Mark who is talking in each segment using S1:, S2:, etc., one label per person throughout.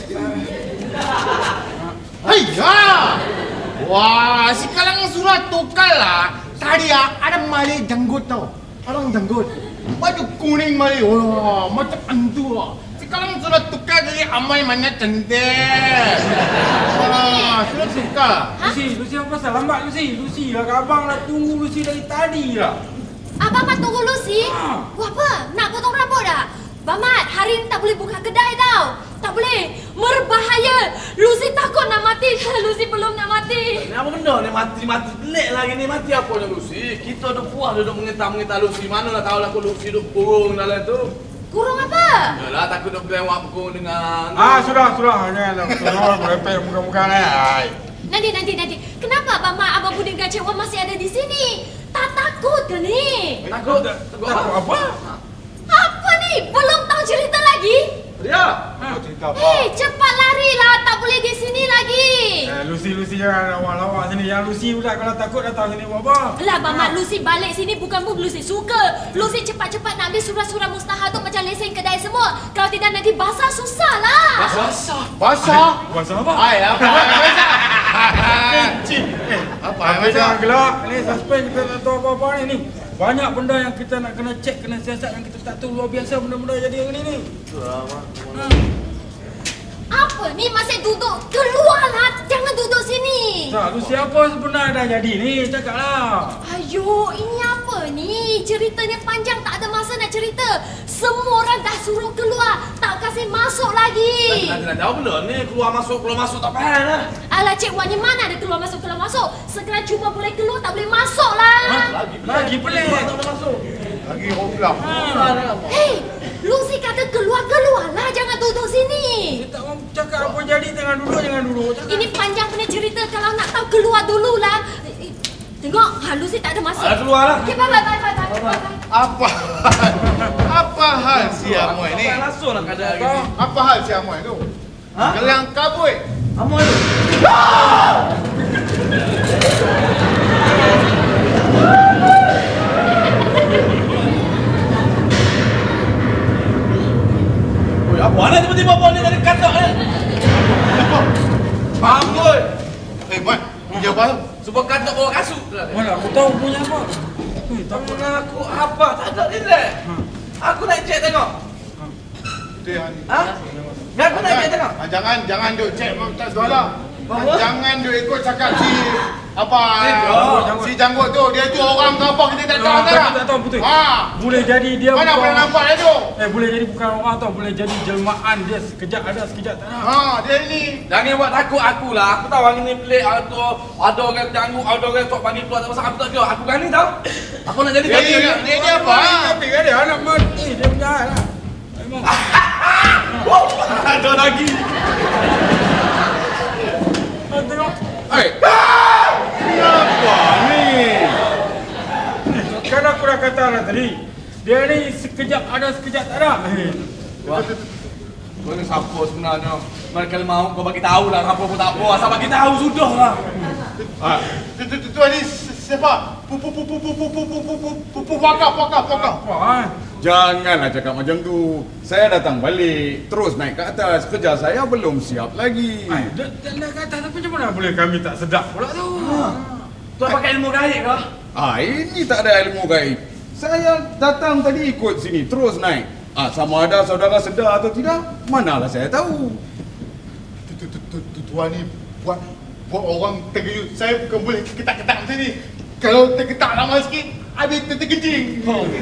S1: Haiya! Wah, sekarang surat tukar lah. Tadi ada Malay janggut tau. Orang janggut. Baju kuning Malay. Wah, macam antu lah. Sekarang surat tukar jadi Amai mana cantik. Wah, surat tukar.
S2: Lucy apa pasal lambat Lucy lah kat abang lah tunggu Lucy dari tadi lah.
S3: Abang Mat tunggu Lucy? Wah apa? Nak potong rambut dah? Bang Mat, hari ni tak boleh buka kedai tau. Tak boleh. Berbahaya. Lucy takut nak mati. Lucy belum nak mati.
S4: Ni apa benda ni mati-mati pelik lagi ni. Mati apanya Lucy? Kita dah puas duduk mengetah Lucy. Manalah tahu lah aku Lucy duduk kurung dalam tu.
S3: Kurung apa?
S4: Yalah takut duduk belawak kurung dengan...
S2: Sudah. Janganlah. Tolong merepek muka-muka ni.
S3: Nanti. Kenapa Bang Mat, Abang Budi dengan Cik Wan masih ada di sini? Tak takut ke ni?
S4: Takut
S2: apa?
S3: Apa ni? Belum tahu cerita lagi?
S4: Ya.
S2: Cerita apa?
S3: Hei, cepat larilah. Tak boleh di sini lagi.
S2: Lucy jangan lawak sini. Yang Lucy pula kalau takut datang sini buat apa?
S3: Lah Bang Mat, Lucy balik sini bukan Lucy suka. Lucy cepat-cepat nak ambil surat-surat mustahil tu macam lesen kedai semua. Kalau tidak nanti basah susah lah.
S1: Basah?
S2: Basah apa?
S1: Hai, apa?
S2: Cik.
S1: Apa
S2: Jangan gelak. Ni suspend kita tak tahu apa-apa ni. Banyak benda yang kita nak kena cek, kena siasat yang kita tak tahu. Luar biasa benda-benda jadi hari ni.
S3: Apa ni masih duduk? Keluarlah. Jangan duduk sini.
S2: Tak, Lucy apa sebenarnya dah jadi ni? Cakaplah.
S3: Ayo, ini apa ni? Ceritanya panjang, tak ada masa nak cerita. Semua orang dah suruh keluar, tak kasih masuk lagi.
S4: Nak jawab benda ni. Keluar masuk tak payah lah.
S3: Alah Cik Wan, ni mana ada keluar masuk? Segera cuma boleh keluar, tak boleh masuk lah.
S2: Lagi pelik.
S4: Tak boleh masuk.
S1: Lagi hoplah.
S3: Hei, Lucy kata keluar lah, jangan duduk sini.
S2: Dia tak mau cakap apa jadi, jangan duduk. Cakap.
S3: Ini panjang punya cerita, kalau nak tahu keluar dululah. Tengok, Lucy tak ada masuk.
S4: Keluar lah.
S3: Okay, bye.
S1: Apa hal si Amoy ni?
S4: Langsung lah keadaan gini.
S1: Apa hal si Amoy tu? Gelang kabut.
S4: Amoy tu. Oi, apa nak tiba-tiba bawa ni dari katak ni? Amoy.
S1: Mat, dia apa?
S4: Sebab katak bawa kasut.
S2: Mana aku tahu punya apa.
S4: Tak aku apa? Tak ada relax. Aku nak cek tengok.
S1: Itu yang ni.
S4: Biar aku nak cek tengok.
S1: Jangan duk cek tak sekolah.
S4: Bahawa?
S1: Jangan duk ikut cakap si apa
S2: Janggut.
S1: si janggut tu. Dia tu orang ke apa kita tak tahu
S2: Tak tahu betul. Boleh jadi dia
S1: Mana
S2: bukan-
S1: boleh nampak dia tu?
S2: boleh jadi bukan orang tau, boleh jadi jelmaan dia sekejap ada sekejap tak ada.
S1: Dia ni.
S4: Jangan buat takut aku lah. Aku tahu hari ni pelik. Ada orang janggut, ada orang tok pagi keluar tak pasal aku tak kira. Aku berani tau. Aku nak jadi kaki.
S1: Dia apa?
S2: Tapi kan dia anak mati dia punya hal lah. Memang.
S4: Ada lagi.
S2: Tengok.
S1: Kenapa ni?
S2: Kan aku dah kata lah tadi. Dia ni sekejap ada sekejap tak ada.
S4: Wah. Kau ni siapa sebenarnya? Mari kalau mau kau bagi tahu lah apa pun tak apa. Asal bagi tahu sudah lah.
S1: Tu ni siapa? Pakar.
S2: Apa
S5: Janganlah cakap macam tu. Saya datang balik, terus naik ke atas. Kerja saya belum siap lagi.
S2: Dia nak kata tapi macam mana boleh kami tak sedap pula tu.
S4: Tuan pakai ilmu gaib ke?
S5: Ini tak ada ilmu gaib. Saya datang tadi ikut sini, terus naik. Sama ada saudara sedar atau tidak, manalah saya tahu.
S1: Tuan ni buat orang terkejut. Saya bukan boleh ketak-ketak macam ni. Kalau terketak lama sikit, habis terkencing.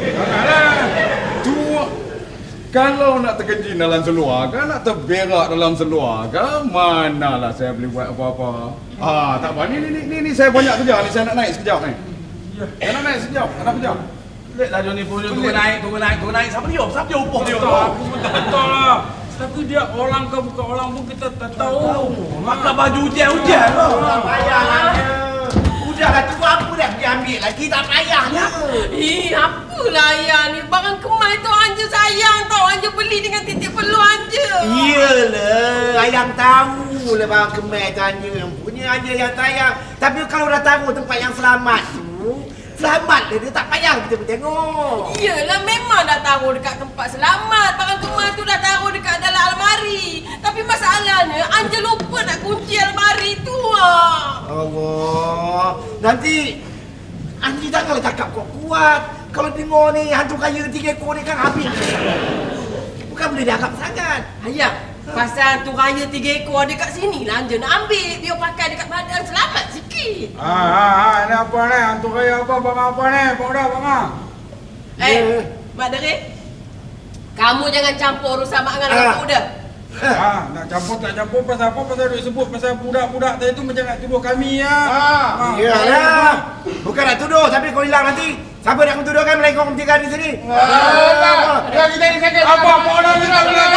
S5: Tu kalau nak terkencing dalam seluar, nak terberak dalam seluar, manalah saya boleh buat apa-apa. Tak apa. Ni saya banyak kerja ni. Saya nak naik sekejap ni. Saya nak naik sekejap. Ada kerja.
S4: Pelik lah Johnny pun. Tunggu naik. Siapa dia? Upah dia?
S2: Aku pun tak betul lah. Tapi dia orang ke bukan orang pun kita tak tahu.
S4: Pakai baju hujan lah.
S6: Udahlah tu apa dah pergi ambil lagi tak payahnya.
S7: Apalah ayah ni. Barang kemai tu Anja sayang tau. Anja beli dengan titik perlu Anja.
S6: Iyalah, ayang tahu lah bang Kemai tanya yang punya aja yang sayang. Tapi kalau dah tahu tempat yang selamat tu, selamat dia tak payah kita bertengok.
S7: Iyalah memang dah taruh dekat tempat selamat. Barang kemai tu dah taruh dekat dalam almari. Tapi masalah ni, Anja lupa nak kunci almari tu.
S6: Allah. Nanti Anji janganlah cakap kuat-kuat. Kalau dengar ni hantu kaya 3 ekor ni kan habis. Bukan boleh dianggap sangat.
S7: Ayah, pasal hantu raya 3 ekor ada kat sini lah Anja nak ambil. Biar pakai dekat badan selamat sikit.
S2: Ini apa ni? Hantu kaya apa? Bang apa ni? Bang.
S7: Mak Deri. Kamu jangan campur urusan mak dengan aku dah.
S2: Nak campur tak campur pasal apa? Pasal duk sebut pasal budak-budak tadi tu macam nak tuduh kami ya.
S6: Iyalah. Bukan nak tuduh tapi kau hilang nanti. Siapa nak kau tuduhkan melainkan kau tinggal di sini?
S1: Dah kita ni sakit.
S2: Apa orang ni?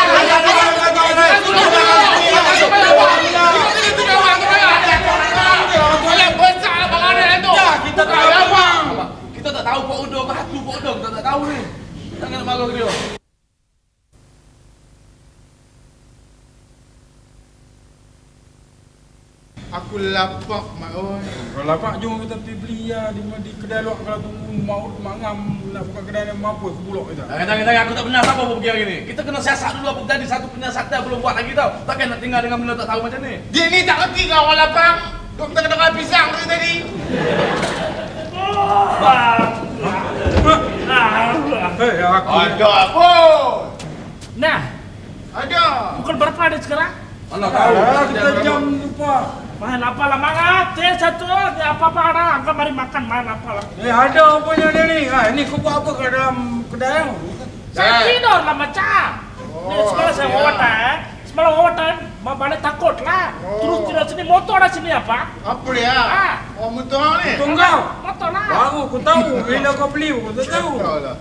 S4: Kita tahu apa? Kita tak tahu Pak Udo, batu Pak Udo, kita tak tahu ni. Jangan nak marah dia.
S1: Aku lapar mak oi.
S2: Kalau lapar jom kita pergi beli ya di kedai luar kalau tunggu mau mangam nak buka kedai yang mampu sebulok kita.
S4: Jangan aku tak benar siapa pun pergi hari ni. Kita kena siasat dulu apa jadi satu penyiasatan belum buat lagi tau. Takkan nak tinggal dengan benda tak tahu macam ni.
S1: Dia ni tak kerti kau orang lapar. Kau kita kena pisang dari tadi.
S2: Aku
S1: Ada apa?
S8: Nah,
S1: Ada.
S8: pukul berapa ada sekarang?
S4: Mana tahu.
S2: kita jam lupa.
S8: Main apa lah mangat? Satu, apa-apa ada. Angkat mari makan, main apa lah.
S2: Ada apanya dia ni? Ini kau buat apa kat dalam kedai?
S8: Saya tidur lah macam. Ni semalam saya wawasan. Semalam wawasan, balik takut lah. Terus tidak sini motor ada sini apa?
S1: Apa dia? Oh motor ni.
S2: Tunggu.
S8: Motor lah.
S2: Baru aku tahu. Bila kau beli aku tak tahu.
S1: Tahu lah.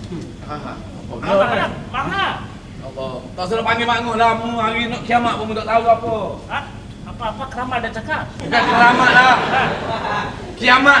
S8: Mana?
S4: Allah. Tak suruh panggil makmur lah. Mu hari nak kiamat pun tak tahu apa.
S8: Apa-apa keramat ada cakap?
S4: Bukan kiamat lah. Kiamat.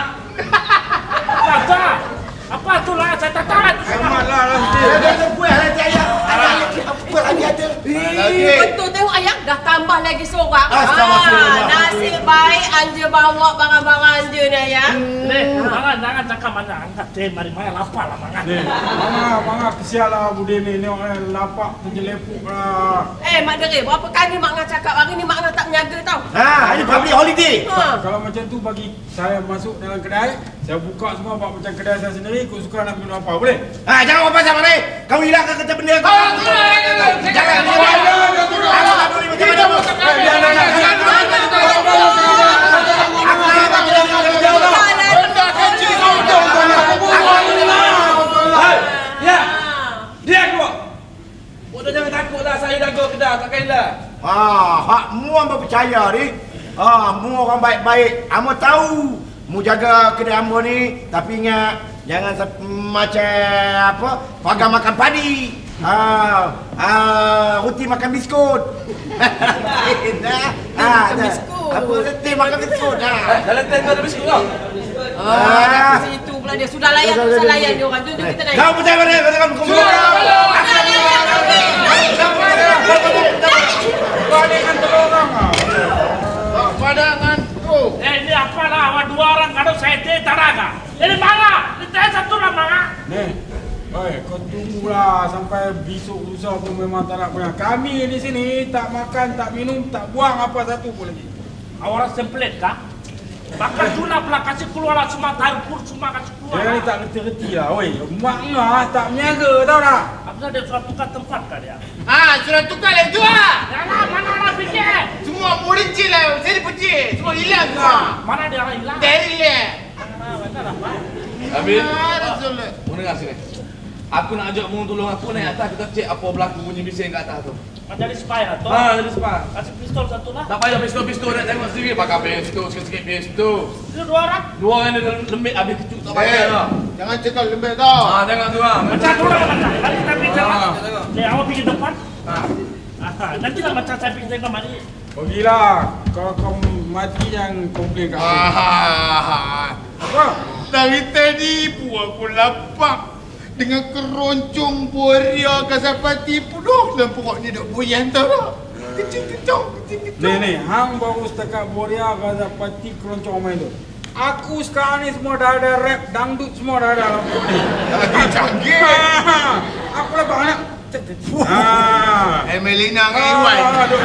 S8: Apa tu lah? Saya tak tahu.
S2: Selamatlah nanti.
S6: Ada buah nanti ayah. Apa lagi ada?
S7: Betul tengok ayah dah tambah lagi seorang.
S6: Astagfirullah.
S7: Nasib baik Anja bawa barang-barang Anja ni ayah.
S8: Jangan cakap mana. Angkat mari main lapar lah mangat.
S2: Mangga kesial lah Budi ni. Ni orang lapak terjelepuk lah.
S7: Mak Deri, berapa kali Mak Ngah cakap hari ni Mak Ngah tak menjaga tau.
S6: Ini public holiday.
S2: Kalau macam tu bagi saya masuk dalam kedai, saya buka semua buat macam kedai saya sendiri, ikut suka nak minum apa, boleh?
S6: Jangan apa sama ni. Kau hilangkan kereta benda kau. Jangan. Aku tak boleh macam mana.
S4: Dia aku. Bodoh jangan takutlah saya jaga kedai takkanlah.
S6: Hak mu hamba percaya ni. Mu orang baik-baik. Hamba tahu mu jaga kedai hamba ni, tapi ingat jangan macam apa? Pagar makan padi. Ruti makan biskut.
S7: Makan biskut.
S6: Apa ruti makan biskut.
S4: Dalam tent ada biskut tau.
S7: Kat situ pula dia. Sudah layan urusan layan dia orang. Jom kita naik.
S6: Kau percaya mana? Katakan kumpul.
S2: Balikkan telur orang.
S1: Padangan tu.
S8: Ini apa lah? Awak dua orang kalau saya tak ada. Ini mana? Ini saya satu lah mana?
S2: Nih, kau tunggulah sampai besok lusa pun memang tak nak punya. Kami di sini tak makan, tak minum, tak buang apa satu pun lagi.
S8: Awak semplit kah? Bakal Juna pula kasih keluar lah semua tarpur semua kasih keluar.
S2: Dia ni tak reti-reti lah, oi. Mak Ngah tak menyaga tau tak?
S8: Apa dia surat tukar tempat kah dia?
S1: Surat tukar lagi tu lah.
S8: Jangan mana nak fikir?
S1: Semua murid je lah. Saya dipecik. Semua hilang semua.
S8: Mana dia orang hilang?
S1: Dari dia.
S8: Betul apa?
S4: Habis.
S1: Rasul.
S4: Mu dengar sini. Aku nak ajak mu tolong aku naik atas kita cek apa berlaku bunyi bising kat atas tu.
S8: Jadi spy lah tu.
S4: Jadi sebab.
S8: Kasih pistol satu lah.
S4: Tak payah pistol nak tengok sendiri. Pakai pistol sikit-sikit pistol.
S8: Itu dua orang.
S4: Dua orang ni lembik habis kecut tak payah lah.
S1: Jangan cekal lembek tau.
S4: Tengok tu lah.
S8: Macam tu lah macam. Mari kita bincang lah.
S4: Tengok.
S8: Ni awak pergi depan. Nanti lah macam saya pergi tengok mari.
S2: Pergilah. Kalau kau mati yang komplain kat aku. Apa?
S1: Dari tadi buat aku lapar. Dengan keroncong boria kasapati penuh dalam perut ni dok boyan tau tak? Kecil-kecil.
S2: Ni, hang baru setakat Boria Gazapati keroncong main tu. Aku sekarang ni semua dah ada rap, dangdut semua dah ada dalam perut ni.
S1: Lagi canggih.
S2: Aku lepas nak.
S1: Emelina dengan Irwan.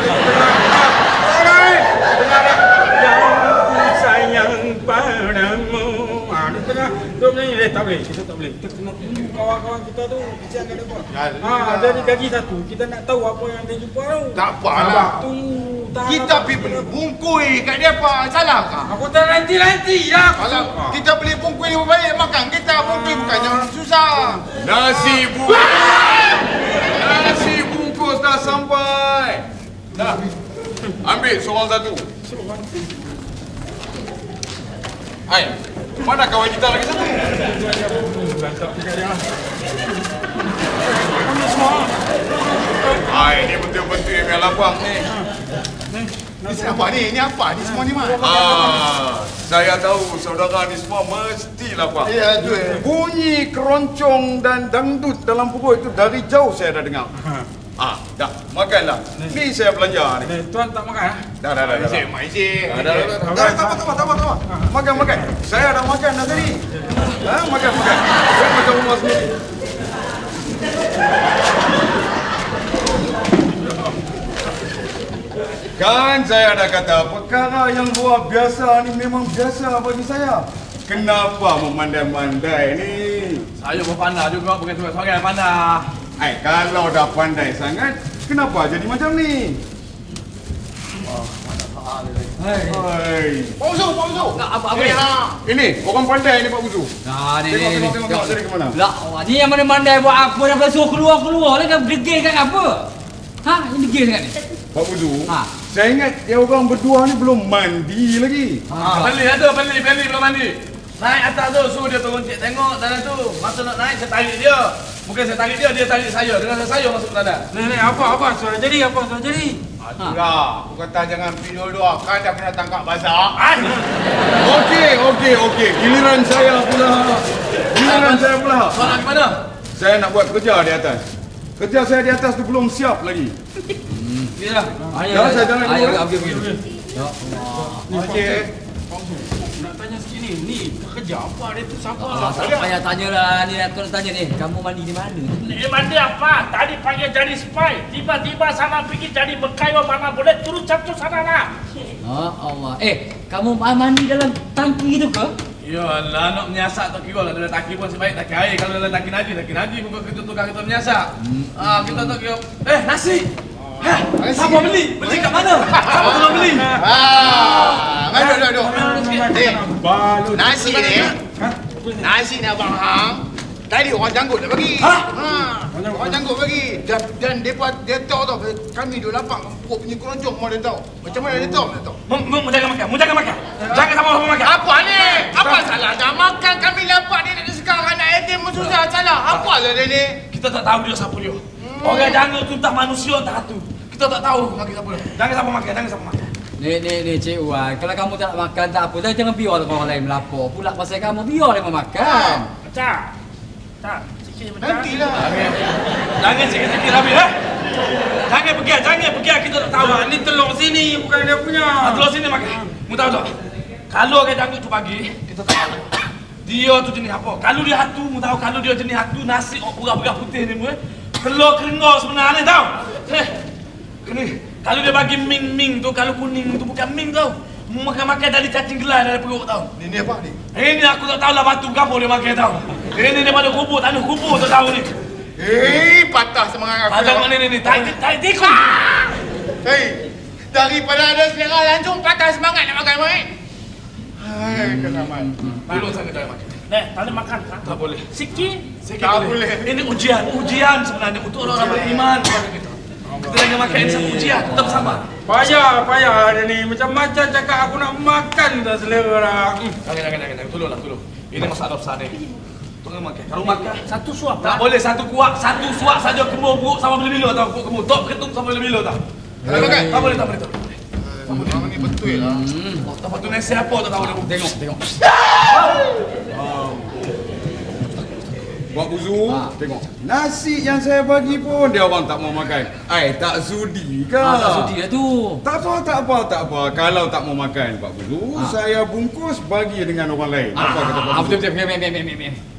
S2: Yang sayang padamu. Dia tengah duk menyanyi. Tak boleh, kita tak boleh. Kita kena tunggu kawan-kawan kita tu kesian kat depan. Jadi gaji satu. Kita nak tahu apa yang dia jumpa tu.
S1: Tak apalah.
S2: Tunggu.
S1: Kita pergi beli bungkui kat dia apa? Salah kah?
S2: Aku tak nanti-nanti lah.
S1: Kalau kita beli bungkui lebih baik makan kita bungkui bukannya orang susah.
S5: Nasi bungkus dah sampai. Dah. Ambil seorang satu. Hai, mana kawan kita lagi satu? Hai, ni betul-betul yang lapang ni.
S1: Ni apa ni? Ni apa? Ni semua ni mana?
S5: Saya tahu saudara ni semua mesti lapang.
S1: Ya, tu.
S5: Bunyi keroncong dan dangdut dalam pukul itu dari jauh saya dah dengar. Dah, makanlah. Ni saya belanja ni.
S2: Tuan tak makan?
S5: Dah.
S1: Mak Isi.
S5: Tak apa. Makan. Saya dah makan dah tadi. Makan. Saya makan rumah sendiri. Kan saya dah kata perkara yang luar biasa ni memang biasa bagi saya. Kenapa memandai-mandai ni?
S4: Saya pun pandai juga, bukan seorang pandai.
S5: Kalau dah pandai sangat, kenapa jadi macam ni?
S1: Pak Uzu.
S7: Apa ni?
S5: Ini, orang pandai ni Pak Buzu.
S7: Nah, ni.
S5: Tengok dari ke mana?
S7: Lah, ni yang mana-mana buat apa dah suruh keluar lah kan degil kan apa? Ini degil sangat ni.
S5: Pak Buzu, saya ingat dia orang berdua ni belum mandi lagi.
S4: Beli belum mandi. Naik atas tu, suruh dia turun cik tengok dalam tu. Masa nak naik, saya tarik dia. Bukan saya tarik dia tarik saya. Dengan saya masuk dalam.
S2: Ni, apa suara jadi?
S1: Itulah. Aku kata jangan pergi dua-dua. Kan dah kena tangkap bazar.
S5: Okey. Giliran saya pula.
S4: Soalan ke mana?
S5: Saya nak buat kerja di atas. Kerja saya di atas tu belum siap lagi.
S4: Inilah.
S5: Saya jalan dulu.
S7: Ya Allah.
S2: Nak tanya sikit ni kerja apa dia tu siapa?
S7: Tak payah tanya lah ni, aku nak tanya ni. Kamu mandi di mana?
S8: Mandi apa? Tadi pagi jadi spy. Tiba-tiba sana pergi jadi berkaiwa mana boleh turun satu sana lah.
S7: Allah. Kamu mandi dalam tangki itu ke?
S4: Yalah, nak menyasak tak kira lah. Dalam tangki pun sebaik tangki air. Kalau dalam tangki Naji bukan kita tukar kita menyasak. Kita tak kira. Nasi! Siapa beli? Beli kat mana? Siapa tolong beli?
S1: Duduk. Nasi ni abang Hang. Tadi orang janggut dah bagi. Orang janggut bagi. Dan dia tahu tau. Kami duduk lapang. Perut punya keroncong mau dia tahu. Macam mana dia tahu?
S4: Mu jangan makan. Jangan sama makan.
S1: Apa ni? Apa salah? Dah makan kami lapar dia nak sekarang anak yatim pun susah. Salah. Apa lah dia ni?
S4: Kita tak tahu dia siapa dia. Orang janggut tu tak manusia tak tu. Kita tak tahu lagi siapa dia. Jangan sama makan.
S7: Ni Cik Wan, kalau kamu tak makan tak apa, jangan biar orang lain melapor. Pula pasal kamu biar dia makan.
S8: Macam. Tak. Sikit macam.
S1: Nantilah.
S4: Jangan sikit-sikit habis Jangan pergi kita tak tahu.
S2: Ni telur sini bukan dia punya.
S4: Telur sini makan. Mu tahu tak? Kalau orang janggut tu pagi, kita tak tahu. Dia tu jenis apa? Kalau dia hatu, mu tahu kalau dia jenis hatu nasi pura-pura putih ni mu. Telur kerenggau sebenarnya tahu. Kalau dia bagi ming tu, kalau kuning tu bukan ming tau. Makan dari cacing gelas dari perut tau.
S1: Ni apa ni?
S4: Ini aku tak tahu lah batu kapur dia makan tau. Ini daripada kubur, tanah kubur tak tahu ni.
S1: Patah semangat aku.
S4: Macam ni, tarik tikun.
S1: Daripada ada selera langsung patah semangat nak makan baik. Kenaman.
S4: Dulu saya tak makan.
S8: Tak boleh makan kan?
S4: Tak boleh.
S8: Sikit.
S1: Tak boleh.
S4: Ini ujian sebenarnya untuk orang beriman kepada kita. Kita lagi makan ini sama ujian, tetap sama.
S2: Payah ada ni. Macam-macam cakap aku nak makan tak selera lah.
S4: Jangan. Tolong. Ini masalah besar ni. Tolong makan. Kalau makan,
S8: Satu suap.
S4: tak boleh satu kuak, satu suak saja kemur buruk sama bila-bila tau. Buruk kemur. Tok ketum sama bila-bila tau. Tak boleh.
S1: Orang ni betul lah.
S4: Lepas tu nasi apa tak tahu dia.
S7: Tengok.
S5: Pak Buzu, tengok. Nasi yang saya bagi pun dia orang tak mau makan. Tak sudi ke?
S7: Tak sudi dah tu.
S5: Tak apa. Kalau tak mau makan Pak Buzu, saya bungkus bagi dengan orang lain. Apa kata Pak Buzu?
S7: Betul.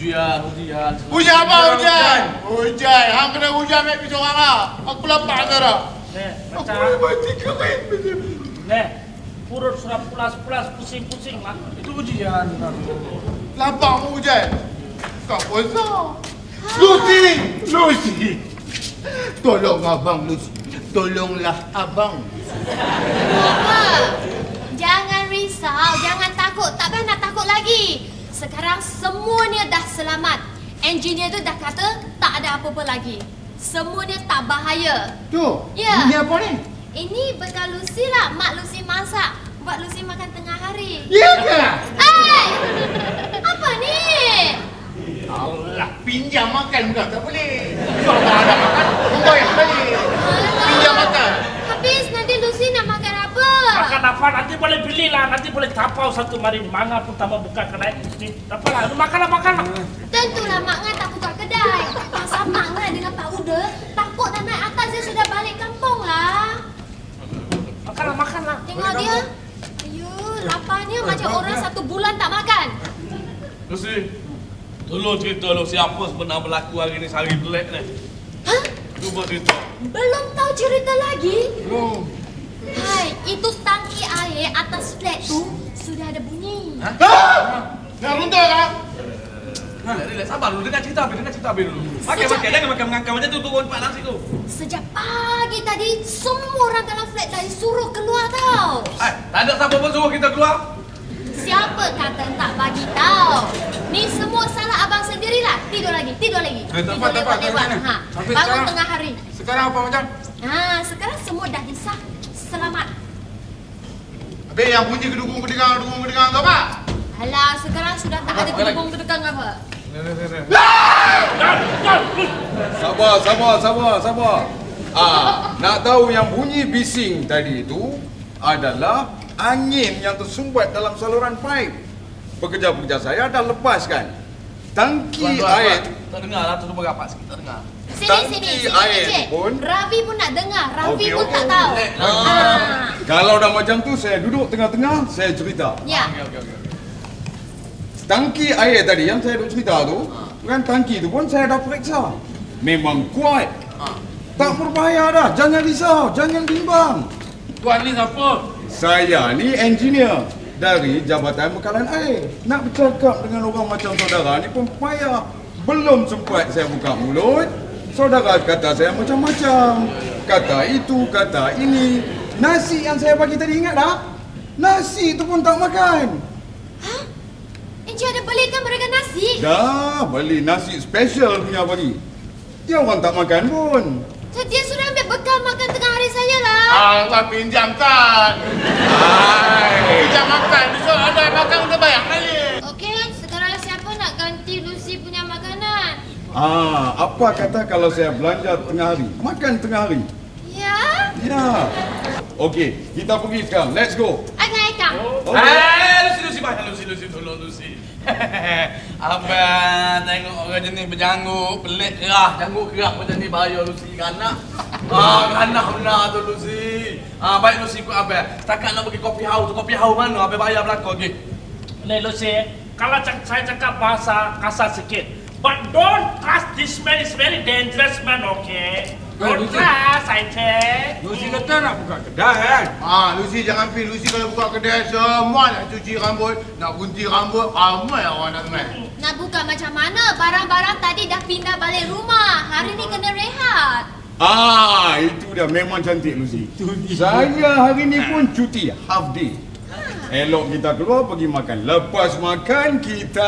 S4: Hujan.
S1: Hujan apa hujan? Hujan. Hang kena hujan mek pi seorang ah. Aku lapar dah.
S8: Nih,
S1: Aku
S8: Maca.
S1: boleh mati kering.
S8: Nih, perut sudah pulas-pulas, pusing-pusing lah.
S4: Itu hujan.
S1: Lapar mau hujan. Kau besar. Lucy. Tolong abang Lucy. Tolonglah abang.
S3: Apa? Jangan risau, jangan takut. Tak payah nak takut lagi. Sekarang semuanya dah selamat. Engineer tu dah kata tak ada apa-apa lagi. Semuanya tak bahaya.
S1: Tu.
S3: Ya.
S1: Ini apa ni?
S3: Ini bekal Lucy lah. Mak Lucy masak. Buat Lucy makan tengah hari.
S1: Ya ke?
S3: Hai! Apa ni?
S1: Allah, pinjam makan bukan tak boleh. Kalau ada makan, kau yang balik. Pinjam makan.
S3: Habis nanti Lucy nak makan apa?
S8: Makan apa? Nanti boleh beli lah. Nanti boleh tapau satu mari. Mana pun tambah buka kedai. Apa lah? Makan lah.
S3: Tentulah Mak Ngan tak buka kedai. Pasal Mak Ngan dengan Pak Uda takut nak naik atas dia sudah balik kampung lah.
S8: Makan lah.
S3: Tengok dia. Ayuh, laparnya macam orang 1 bulan tak makan.
S4: Lucy, tolong cerita lu siapa sebenar berlaku hari ni sehari pelik ni.
S3: Hah?
S4: Cuba cerita.
S3: Belum tahu cerita lagi?
S1: Belum.
S3: Hai, itu tangki air atas flat tu sudah ada bunyi.
S1: Ha? Nak runtuh kah?
S4: Relax, sabar dulu, dengar cerita habis dulu. Makan, jangan makan mengangkat macam tu, turun pak nasi tu.
S3: Sejak pagi tadi, semua orang dalam flat dah suruh keluar tau.
S4: Tak ada siapa pun suruh kita keluar.
S3: Siapa kata tak bagi tahu? Ni semua salah abang sendirilah. Tidur lagi. Tidur
S1: Tepat.
S3: lewat. Ha.
S1: Habis
S3: Bangun
S1: sekarang?
S3: tengah hari.
S1: Sekarang apa macam?
S3: Ha, sekarang semua dah disah. Selamat.
S1: Habis yang bunyi kedukung-kedengang tu apa?
S3: Alah, sekarang sudah tak ada gedung-gedung apa.
S5: Sabar. Nak tahu yang bunyi bising tadi itu adalah angin yang tersumbat dalam saluran pipe. Pekerja-pekerja saya dah lepaskan tangki air.
S4: Tak dengar lah, tu berapat sikit, tak dengar.
S3: Sini,
S5: air
S3: Encik.
S5: pun.
S3: Ravi pun nak dengar. Ravi
S5: Okey,
S3: pun
S5: okey.
S3: tak tahu.
S5: Kalau dah macam tu, saya duduk tengah-tengah, saya cerita.
S3: Ya.
S4: Okey.
S5: Tangki air tadi yang saya duk cerita tu, kan tangki tu pun saya dah periksa. Memang kuat. Tak berbahaya dah. Jangan risau, jangan bimbang.
S2: Tuan ni siapa?
S5: Saya ni engineer dari Jabatan Bekalan Air. Nak bercakap dengan orang macam saudara ni pun payah. Belum sempat saya buka mulut, saudara kata saya macam-macam. Kata itu, kata ini. Nasi yang saya bagi tadi ingat tak? Nasi tu pun tak makan.
S3: Encik ada belikan mereka nasi?
S5: Dah, beli nasi special punya bagi. Dia orang tak makan pun.
S3: So, dia sudah ambil bekal makan tengah hari saya lah.
S1: Tak pinjam kan? Pinjam makan. Besok ada makan udah bayar balik.
S3: Okey, sekarang siapa nak ganti Lucy punya makanan?
S5: Apa kata kalau saya belanja tengah hari? Makan tengah hari.
S3: Ya?
S5: Ya. Okey, kita pergi sekarang. Let's go.
S3: Okey, Kak.
S4: Lucy, bahaya Lucy, tolong Lucy. Abang tengok orang jenis berjanggut, pelik kerah, janggut kerah macam ni bahaya Lucy, kanak. Kanak benar tu Lucy. Baik Lucy ikut abang. Setakat nak pergi kopi house mana? Abang bayar belakang okey.
S8: Nih Lucy, kalau saya cakap bahasa kasar sikit. But don't trust this man, is very dangerous man, okay? Don't
S2: Lucy.
S8: trust, I say.
S2: Lucy kata nak buka kedai kan?
S1: Lucy jangan pergi. Lucy kalau buka kedai semua nak cuci rambut, nak gunting rambut, ramai orang nak teman.
S3: Nak buka macam mana? Barang-barang tadi dah pindah balik rumah. Hari ni kena rehat.
S5: Itu dah memang cantik Lucy. Saya hari ni pun cuti half day. Elok kita keluar pergi makan. Lepas makan kita.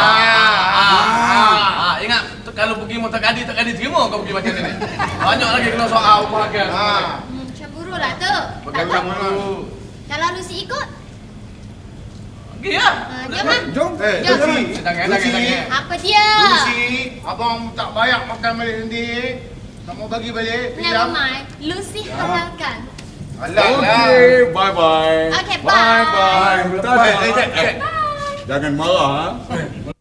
S4: Ingat kalau pergi motor kadi tak kadi terima kau pergi macam ni. Banyak lagi kena soal bahagian.
S3: Cemburu lah tu.
S4: Bagaimana dulu?
S3: Kalau Lucy ikut,
S4: Okey ya.
S3: jom lah.
S5: Jom.
S3: Jom.
S1: Lucy.
S4: Jangan.
S3: Apa dia?
S1: Lucy, abang tak banyak makan balik nanti. Tak mau bagi balik.
S3: Never mind. Lucy halalkan.
S5: Okey, bye-bye.
S3: Okay, bye.
S5: Bye-bye.
S1: Bye.
S5: Jangan marah.